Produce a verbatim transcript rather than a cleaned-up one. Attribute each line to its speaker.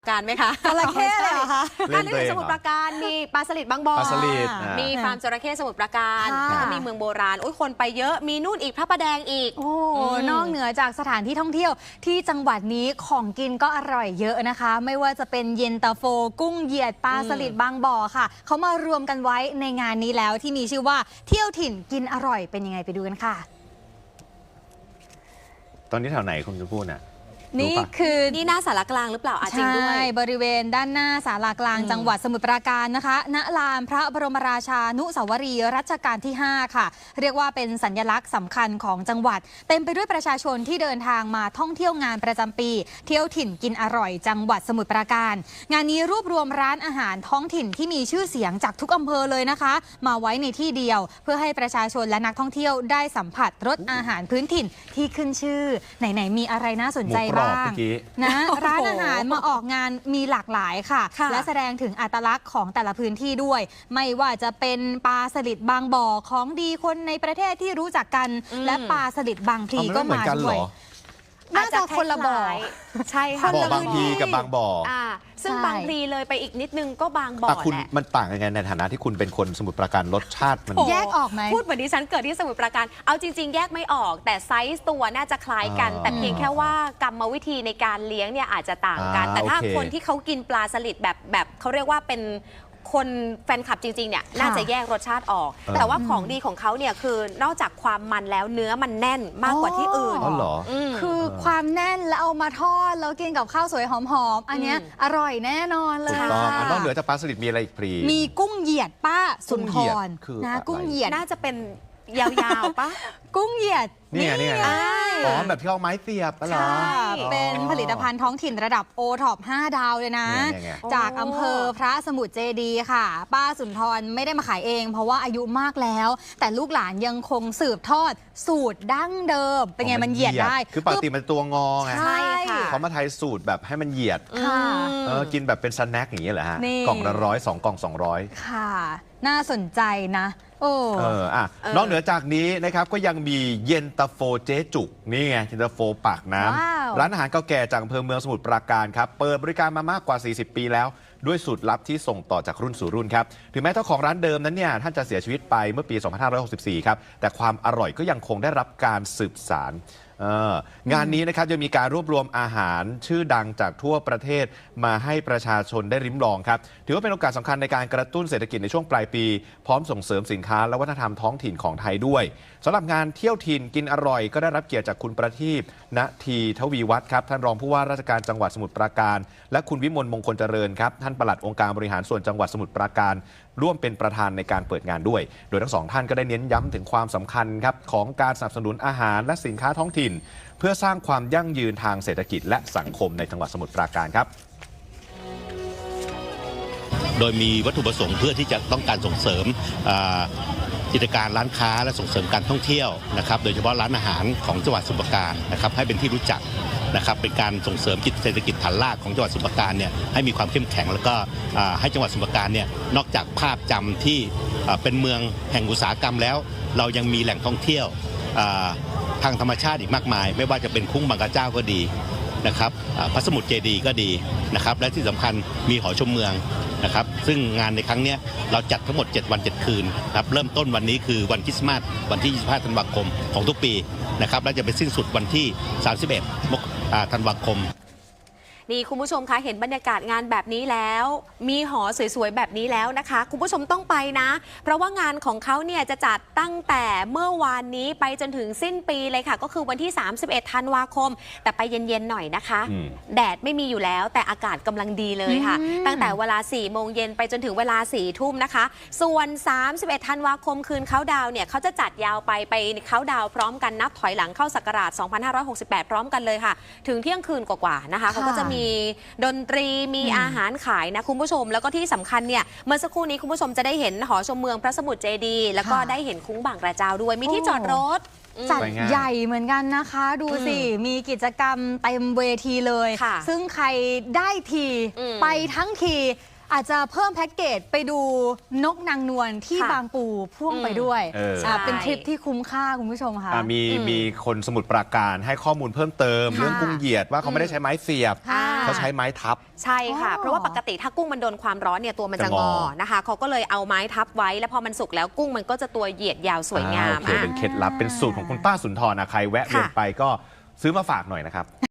Speaker 1: การไหมคะ
Speaker 2: จระเข้เลยเหรอคะ
Speaker 1: อันนี้เป็นสมุทรปราการมีปลาสลิดบางบ่อ
Speaker 3: ปลาสลิด
Speaker 1: มีฟาร์มจระเข้สมุทรปราการ
Speaker 2: ค่ะ
Speaker 1: แล้วก็มีเมืองโบราณโอ้ยคนไปเยอะมีนู่นอีกพระประแดงอีก
Speaker 2: โอ้
Speaker 1: อืม
Speaker 2: นอกเหนือจากสถานที่ท่องเที่ยวที่จังหวัดนี้ของกินก็อร่อยเยอะนะคะ ไม่ว่าจะเป็นเย็นตาโฟกุ้งเหยียดปลาสลิดบางบ่อค่ะเขามารวมกันไว้ในงานนี้แล้วที่มีชื่อว่าเที่ยวถิ่นกินอร่อยเป็นยังไงไปดูกันค่ะ
Speaker 3: ตอนนี้แถวไหนคุณจะพูดน่ะ
Speaker 2: นี่คือ
Speaker 1: นี่หน้าสารกลางหรือเปล่าอาจริงด้วย
Speaker 2: ใช่บริเวณด้านหน้าศาลากลาง
Speaker 1: อืม
Speaker 2: จังหวัดสมุทรปราการนะคะณลานพระบรมราชานุสาวรีย์รัชกาลที่ ห้า ค่ะ เรียกว่าเป็นสัญลักษณ์สำคัญของจังหวัด เต็มไปด้วยประชาชนที่เดินทางมาท่องเที่ยวงานประจำปี เที่ยวถิ่นกินอร่อยจังหวัดสมุทรปราการ งานนี้รวบรวมร้านอาหารท้องถิ่นที่มีชื่อเสียงจากทุกอำเภอเลยนะคะ มาไว้ในที่เดียว เพื่อให้ประชาชนและนักท่องเที่ยวได้สัมผัสรสอาหารพื้นถิ่นที่ขึ้นชื่อไหนๆมีอะไรน่าสนใจ
Speaker 3: หมูกรอบ
Speaker 2: บ้าง
Speaker 3: เมื่อกี้
Speaker 2: นะ
Speaker 1: โอ้โห
Speaker 2: ร้านอาหารมาออกงานมีหลากหลายค่ะ
Speaker 1: ค่ะ
Speaker 2: และแสดงถึงอัตลักษณ์ของแต่ละพื้นที่ด้วย ไม่ว่าจะเป็นปลาสลิดบางบ่อของดีคนในประเทศที่รู้จักกัน
Speaker 1: อืม
Speaker 2: และปลาสลิดบางพลี
Speaker 3: เอามัน
Speaker 2: ก็
Speaker 3: ไม่เหมือ
Speaker 2: มาน
Speaker 3: กันเห
Speaker 2: ด้
Speaker 3: ร
Speaker 2: วย
Speaker 3: อ
Speaker 2: น่าจะคนละบ่อ
Speaker 1: าจจคล้ายๆใช่ค่ะ
Speaker 2: คน
Speaker 3: บ่อ
Speaker 2: ละ
Speaker 3: บางพลีกับบางบ่อ
Speaker 1: อ่าซึ่ง
Speaker 2: ใช่
Speaker 1: บางพลีเลยไปอีกนิดนึงก็บางบ่อ
Speaker 3: อ่ะคุณ
Speaker 1: แหละ
Speaker 3: มันต่างยังไงในฐานะที่คุณเป็นคนสมุทรปราการรสชาติมัน
Speaker 1: โอ้
Speaker 2: แยกออกไหม
Speaker 1: พูดเหมือนดิฉันเกิดที่สมุทรปราการ เอาจริง ๆ แยกไม่ออก แต่ไซส์ตัวน่าจะคล้ายกัน
Speaker 3: อ่า
Speaker 1: แต่เพียงแค่ว่ากรรมวิธีในการเลี้ยงเนี่ยอาจจะต่างกัน
Speaker 3: อ่า
Speaker 1: แต่ถ้า
Speaker 3: โอเค
Speaker 1: คนที่เขากินปลาสลิดแบบแบบเขาเรียกว่าเป็นคนแฟนคลับจริง ๆ เนี่ยน่าจะแยกรสชาติออก แต่ว่าของดีของเขาเนี่ยคือนอกจากความมันแล้วเนื้อมันแน่นมากกว่าที่อื่น
Speaker 3: อ๋อเหรอ
Speaker 1: ม
Speaker 2: คือความแน่นแล้วเอามาทอดแล้วกินกับข้าวสวยหอมๆอันเนี้ย
Speaker 1: อืม
Speaker 2: อร่อยแน่นอนเลย
Speaker 3: ถูกต้อง
Speaker 2: ค่ะ
Speaker 3: อ่ะนอกเหนือจากปลาสลิดมีอะไรอีกพลี
Speaker 2: มีกุ้งเหยียดป้าสุนท
Speaker 3: กุ้งเหยีย
Speaker 2: ร
Speaker 3: ดคือ
Speaker 2: นะ
Speaker 3: อะไร
Speaker 2: กุ้งเหยียด
Speaker 1: น่าจะเป็นยาวๆปะ
Speaker 2: กุ้งเหยียด
Speaker 3: นี่ไงนี่ไง
Speaker 1: อ่า
Speaker 3: อ๋อแบบที่เอาไม้เสียบปะเหรอ
Speaker 2: ค่ะ
Speaker 3: อ๋อ
Speaker 2: เป็นผลิตภัณฑ์ท้องถิ่นระดับโอท็อปห้าดาวเลยนะ
Speaker 3: เนี่ยเนี่ยไง
Speaker 2: จากอำเภอพระสมุทรเจดีย์ค่ะ ป้าสุนทรไม่ได้มาขายเอง เพราะว่าอายุมากแล้ว แต่ลูกหลานยังคงสืบทอดสูตรดั้งเดิม เป็นไงมันเหยียดได้
Speaker 3: คือปกติมันตัวงอไง
Speaker 2: ใช่
Speaker 1: ค่ะ
Speaker 3: เขามาไทยสูตรแบบให้มันเหยียด
Speaker 2: ค่ะ
Speaker 3: เออกินแบบเป็นสแน็คอย่างนี้เหรอฮะ
Speaker 2: นี่
Speaker 3: กล่องละร้อยสองกล่องสองร้อย
Speaker 2: ค่ะ น่าสนใจนะ โอ้
Speaker 3: เอออ่ะ
Speaker 1: เออ
Speaker 3: นอกเหนือจากนี้นะครับก็ยังมีเย็นตาโฟเจ๊จุกนี่ไงเย็นตาโฟปากน้
Speaker 2: ว้าว
Speaker 3: ำร้านอาหารเก่าแก่จากอำเภอเมืองสมุทรปราการครับเปิดบริการมามากกว่า สี่สิบ ปีแล้ว ด้วยสูตรลับที่ส่งต่อจากรุ่นสู่รุ่นครับถึงแม้เจ้าของร้านเดิมนั้นเนี่ยท่านจะเสียชีวิตไปเมื่อปี สองพันห้าร้อยหกสิบสี่ ครับแต่ความอร่อยก็ยังคงได้รับการสืบสานเอองานนี้นะครับจะมีการรวบรวมอาหารชื่อดังจากทั่วประเทศมาให้ประชาชนได้ริมลองครับถือว่าเป็นโอกาสสำคัญในการกระตุ้นเศรษฐกิจในช่วงปลายปี พร้อมส่งเสริมสินค้าและวัฒนธรรมท้องถิ่นของไทยด้วยสำหรับงานเที่ยวถิ่นกินอร่อยก็ได้รับเกียรติจากคุณประทีปณทีทวีวัฒน์ครับท่านรองผู้ว่าราชการจังหวัดสมุทรปราการและคุณวิมลมงคลเจริญครับท่านปลัดองค์การบริหารส่วนจังหวัดสมุทรปราการร่วมเป็นประธานในการเปิดงานด้วย โดยทั้งสองท่านก็ได้เน้นย้ำถึงความสำคัญครับของการสนับสนุนอาหารและสินค้าท้องถิ่น เพื่อสร้างความยั่งยืนทางเศรษฐกิจและสังคมในจังหวัดสมุทรปราการครับ
Speaker 4: โดยมีวัตถุประสงค์เพื่อที่จะต้องการส่งเสริมอ่ากิจการร้านค้าและส่งเสริมการท่องเที่ยวนะครับโดยเฉพาะร้านอาหารของจังหวัดสมุทรปราการนะครับให้เป็นที่รู้จักนะครับเป็นการส่งเสริมกิจเศรษฐกิจฐานรากของจังหวัดสมุทรปราการเนี่ยให้มีความเข้มแข็งแล้วก็อ่าให้จังหวัดสมุทรปราการเนี่ยนอกจากภาพจำที่อ่าเป็นเมืองแห่งอุตสาหกรรมแล้ว เรายังมีแหล่งท่องเที่ยวอ่าทางธรรมชาติอีกมากมาย ไม่ว่าจะเป็นคุ้งบางกระเจ้าก็ดีนะครับอ่าพระสมุทรเจดีย์ก็ดีนะครับและที่สำคัญมีหอชมเมืองนะครับซึ่งงานในครั้งนี้เราจัดทั้งหมดเจ็ดวันเจ็ดคืนครับเริ่มต้นวันนี้คือวันคริสต์มาสวันที่ยี่สิบห้าธันวาคมของทุกปีนะครับและจะไปสิ้นสุดวันที่สามสิบเอ็ดมกราคมธันวาคม
Speaker 1: นี่คุณผู้ชมคะเห็นบรรยากาศงานแบบนี้แล้ว มีหอสวยๆแบบนี้แล้วนะคะ คุณผู้ชมต้องไปนะ เพราะว่างานของเขาเนี่ยจะจัดตั้งแต่เมื่อวานนี้ไปจนถึงสิ้นปีเลยค่ะ ก็คือวันที่ สามสิบเอ็ดธันวาคม แต่ไปเย็นๆหน่อยนะคะ
Speaker 3: อืม
Speaker 1: แดดไม่มีอยู่แล้วแต่อากาศกำลังดีเลยค่ะ
Speaker 2: อืม
Speaker 1: ตั้งแต่เวลาสี่โมงเย็นไปจนถึงเวลาสี่ทุ่มนะคะ ส่วน สามสิบเอ็ดธันวาคมคืนเขาดาวน์เนี่ยเขาจะจัดยาวไปไปเขาดาวน์พร้อมกันนับถอยหลังเข้าศักราชสองพันห้าร้อยหกสิบแปดพร้อมกันเลยค่ะ ถึงเที่ยงคืนกว่าๆนะคะเขาก็จะมีดนตรีมีอาหารขายนะคุณผู้ชมแล้วก็ที่สำคัญเนี่ยเมื่อสักครู่นี้คุณผู้ชมจะได้เห็นหอชมเมืองพระสมุทรเจดีย์แล้วก็
Speaker 2: ค่ะ
Speaker 1: ได้เห็นคุ้งบางกระเจ้าด้วยมีที่จอดรถ
Speaker 2: จัด
Speaker 3: ไปง่าย
Speaker 2: ใหญ่เหมือนกันนะคะ ดูสิ มีกิจกรรมเต็มเวทีเลย
Speaker 1: ค่ะ
Speaker 2: ซึ่งใครได้ที
Speaker 1: อืม
Speaker 2: ไปทั้งทีอาจจะเพิ่มแพ็กเกจไปดูนกนางนวลที่
Speaker 1: ค่ะ
Speaker 2: บางปูพ่วงไปด้วย
Speaker 3: เออ
Speaker 2: อ่าเป็นทริปที่คุ้มค่าคุณผู้ชมค่ะ
Speaker 3: อ่ะมี
Speaker 1: อืม
Speaker 3: มีคนสมุทรปราการให้ข้อมูลเพิ่มเติม
Speaker 2: ค่ะ
Speaker 3: เรื่องกุ้งเหยียดว่าเขาไม่ได้ใช้ไม้เสียบ
Speaker 2: ค่ะ
Speaker 3: เขาใช้ไม้ทับ
Speaker 1: ใช่ค่ะ
Speaker 2: อ๋อ
Speaker 1: เพราะว่าปกติถ้ากุ้งมันโดนความร้อนเนี่ยตัวมันจะ
Speaker 3: จะ
Speaker 1: ง
Speaker 3: ง
Speaker 1: อ
Speaker 3: อ
Speaker 1: นะคะเขาก็เลยเอาไม้ทับไว้แล้วพอมันสุกแล้วกุ้งมันก็จะตัวเหยียดยาวสวยงาม
Speaker 3: อ่โอเคเป็นเคล็ดลับเป็นสูตรของคุณป้าสุนทรนะใครแวะเวียน
Speaker 1: ค่ะ
Speaker 3: ไปก็ซื้อมาฝากหน่อยนะครับ